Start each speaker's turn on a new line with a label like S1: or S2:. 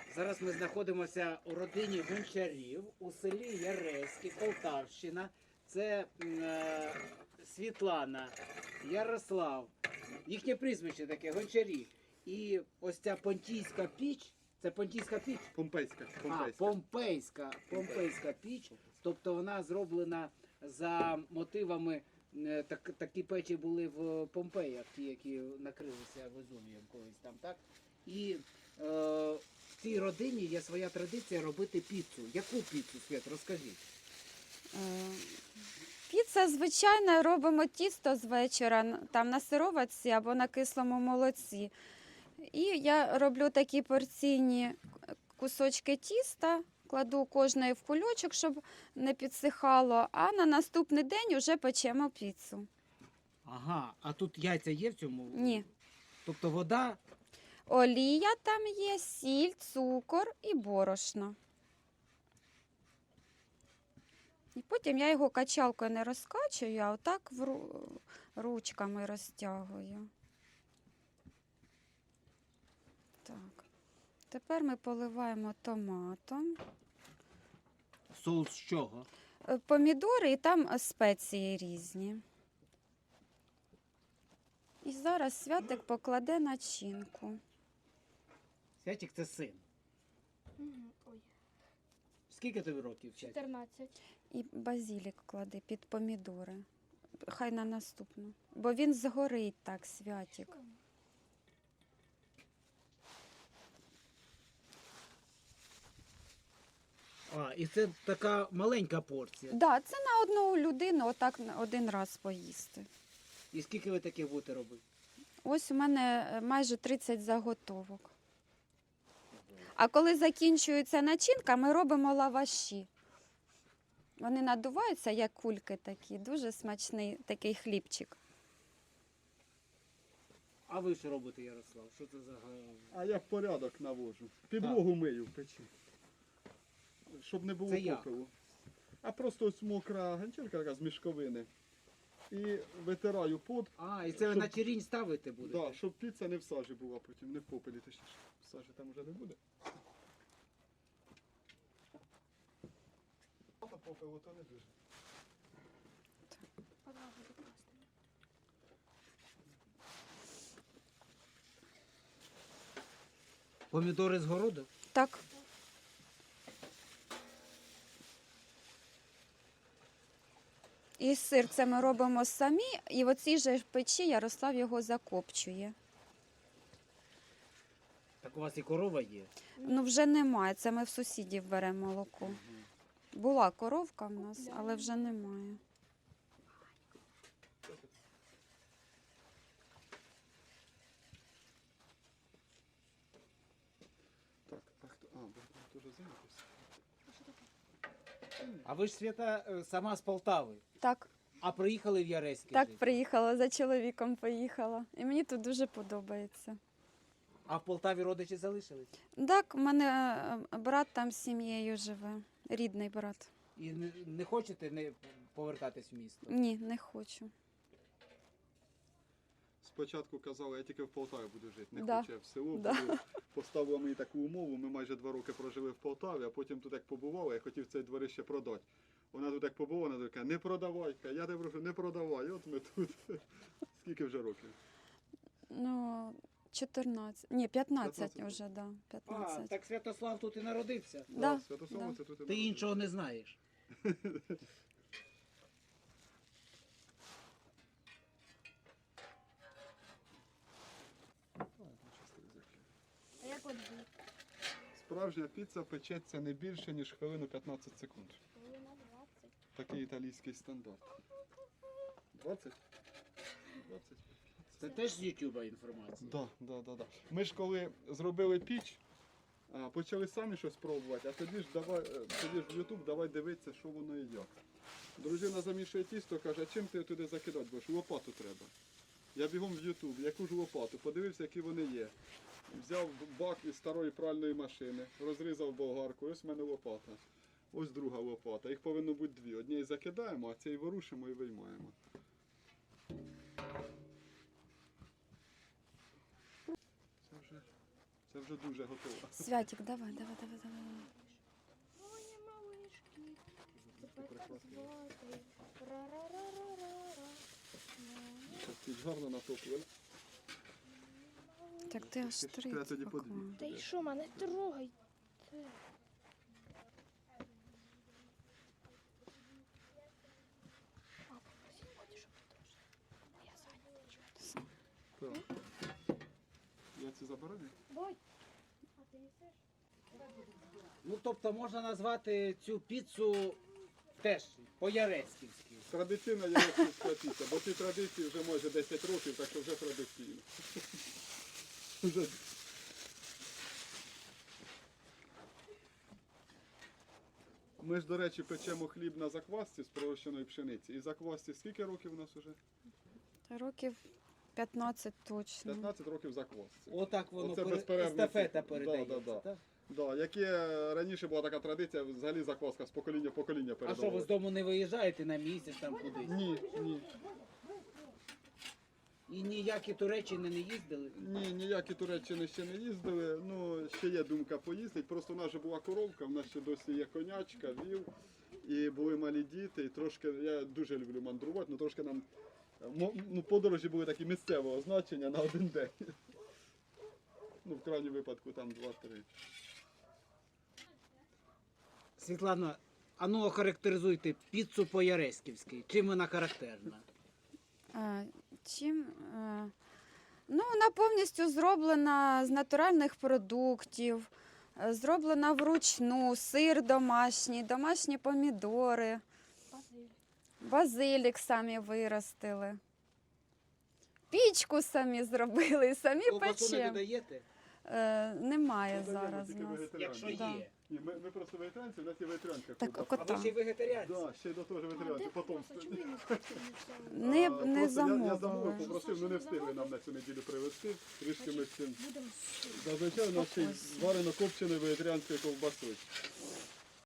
S1: Зараз ми знаходимося у родині Гончарів у селі Яреськи, Полтавщина. Це Світлана, Ярослав, їхнє прізвище таке Гончарі. І ось ця понтійська піч, це понтійська піч?
S2: Помпейська.
S1: Помпейська піч, тобто вона зроблена за мотивами, такі печі були в Помпеях, ті, які накрилися Везувієм колись там, так? І в цій родині є своя традиція робити піцу. Яку піцу, Свят, розкажіть?
S3: Піца, звичайно, робимо тісто з вечора, там на сироватці або на кислому молоці. І я роблю такі порційні кусочки тіста, кладу кожної в кульочок, щоб не підсихало, а на наступний день вже печемо піцу.
S1: Ага, а тут яйця є в цьому?
S3: Ні.
S1: Тобто вода?
S3: Олія там є, сіль, цукор і борошно. І потім я його качалкою не розкачую, а отак ручками розтягую. Так. Тепер ми поливаємо томатом,
S1: Соус з чого?
S3: помідори і там спеції різні. І зараз Святик покладе начинку.
S1: Святик – це син.
S4: Ой,
S1: Скільки тобі років, Святик?
S4: 14.
S3: І базилік кладе під помідори. Хай на наступну. Бо він згорить так, Святик.
S1: А, і це така маленька порція.
S3: Так, да, це на одну людину отак один раз поїсти.
S1: І скільки ви таких будете робити?
S3: Ось у мене майже 30 заготовок. А коли закінчується начинка, ми робимо лаваші. Вони надуваються, як кульки такі. Дуже смачний такий хлібчик.
S1: А ви що робите, Ярослав? Що це за...
S2: А я в порядок навожу. Підлогу мию в печі. Щоб не було
S1: Це як?
S2: попелу. А просто ось мокра ганчірка така з мішковини. І витираю пот.
S1: А, і це ви
S2: Щоб-
S1: на черінь ставити будете?
S2: Да, щоб піца не в сажі була потім, не в попелі, точніше. В сажі там вже не буде. А попелу то не дуже.
S1: Помідори з городу?
S3: Так. І сир це ми робимо самі, і в оцій же печі Ярослав його закопчує.
S1: Так у вас і корова є?
S3: Ну вже немає, це ми в сусідів беремо молоко. Була коровка в нас, але вже немає.
S2: Так, а хто? А, бо теж зайнятися.
S1: А ви ж, Свята, сама з Полтави.
S3: Так,
S1: А приїхали в Яреськи
S3: так
S1: жити?
S3: приїхала, за чоловіком поїхала. І мені тут дуже подобається.
S1: А в Полтаві родичі залишились?
S3: Так, у мене брат там з сім'єю живе, рідний брат.
S1: І не хочете не повертатись в місто?
S3: Ні, не хочу.
S2: Спочатку казали, я тільки в Полтаві буду жити, не
S3: Да.
S2: хочу я в село.
S3: Да.
S2: Буду. Поставила мені таку умову, ми майже 2 роки прожили в Полтаві, а потім тут як побували, я хотів це дворище продати. Вона тут як побула, вона така, не продавай, я тебе прошу, не продавай. І от ми тут. Скільки вже років?
S3: Ну, 14, ні, 15
S2: 15.
S3: вже, да,
S1: А,
S3: 15.
S1: так Святослав тут і народився.
S3: Да,
S2: Святослава,
S3: да.
S2: це тут і
S1: Ти
S2: народилась.
S1: іншого не знаєш.
S4: А як от буде?
S2: Справжня піца печеться не більше, ніж хвилину 15 секунд.
S4: Хвилина 20.
S2: Такий італійський стандарт. 20? 20.
S1: Це теж з Ютуба інформація?
S2: Да. Ми ж коли зробили піч, почали самі щось пробувати, а тоді ж в YouTube давай дивитися, що воно і як. Дружина замішує тісто, каже, а чим ти туди закидати будеш? Лопату треба. Я бігом в YouTube, яку ж лопату, подивився, які вони є. Взяв бак із старої пральної машини, розрізав болгарку, ось в мене лопата. Ось друга лопата. Їх повинно бути 2. Однієї закидаємо, а цієї ворушимо і виймаємо. Це вже Це вже дуже готово.
S3: Святик, давай.
S4: Моє малишки. Тепер так звати. Ра-ра-ра-ра-ра-ра.
S2: Зараз піч гарно натоплює.
S3: Так ти аж
S2: Треба
S3: 30
S2: тоді
S3: поклав.
S2: подвійти.
S4: Та й що, мене трогай. Папа, сьогодні, щоб ти теж. Я зайнята.
S2: Так. Я ці забираю.
S4: Бой. А ти їсиш?
S1: Ну, тобто можна назвати цю піцу теж по-яреськівськи.
S2: Традиційна європейська піца, бо ці традиції вже майже 10 років, так що вже традиційно. Вже. Ми ж, до речі, печемо хліб на заквасці з пророщеної пшениці. І заквасці скільки років у нас вже?
S3: Років 15 точно.
S2: 15 років заквасці.
S1: Отак воно
S2: Оце безперервно.
S1: естафета передається.
S2: Да.
S1: Так?
S2: Да, яке раніше була така традиція, взагалі закваска з покоління в покоління
S1: А що, ви
S2: передавалася.
S1: з дому не виїжджаєте на місяць там кудись?
S2: Ні.
S1: І ніякі Туреччини не їздили?
S2: Ні, ніякі Туреччини ще не їздили. Ну, ще є думка поїздити. Просто у нас же була коровка, в нас ще досі є конячка, віл. І були малі діти. І трошки, я дуже люблю мандрувати, але трошки нам подорожі були такі місцевого значення на один день. Ну, в крайньому випадку там 2-3.
S1: Світлана, а ну охарактеризуйте піцу по-яреськівськи. Чим вона характерна?
S3: Чим? Ну, вона повністю зроблена з натуральних продуктів, зроблена вручну, сир домашні помідори, базилік самі виростили. Пічку самі зробили, самі
S1: Ковбасу не
S3: печемо.
S1: додаєте?
S3: Немає
S2: Додаємо
S3: зараз у
S2: тільки
S3: нас.
S2: вегетаріанці.
S1: Якщо
S3: Да.
S1: є.
S2: Ні, ми просто вегетаріанці, у нас є вегетаріанська
S3: Так,
S2: ковбаса.
S1: А ви ще й вегетаріанці?
S2: Да, ще й до того ж вегетаріанці, потім.
S3: Не
S2: Я замовив,
S3: замовили.
S2: попросив, але не встигли нам на цю неділю привезти. Трішки ми з цим.
S4: Будемо.
S2: Зазвичай у нас ще й
S3: Ось.
S2: варено копченою вегетаріанською ковбасою.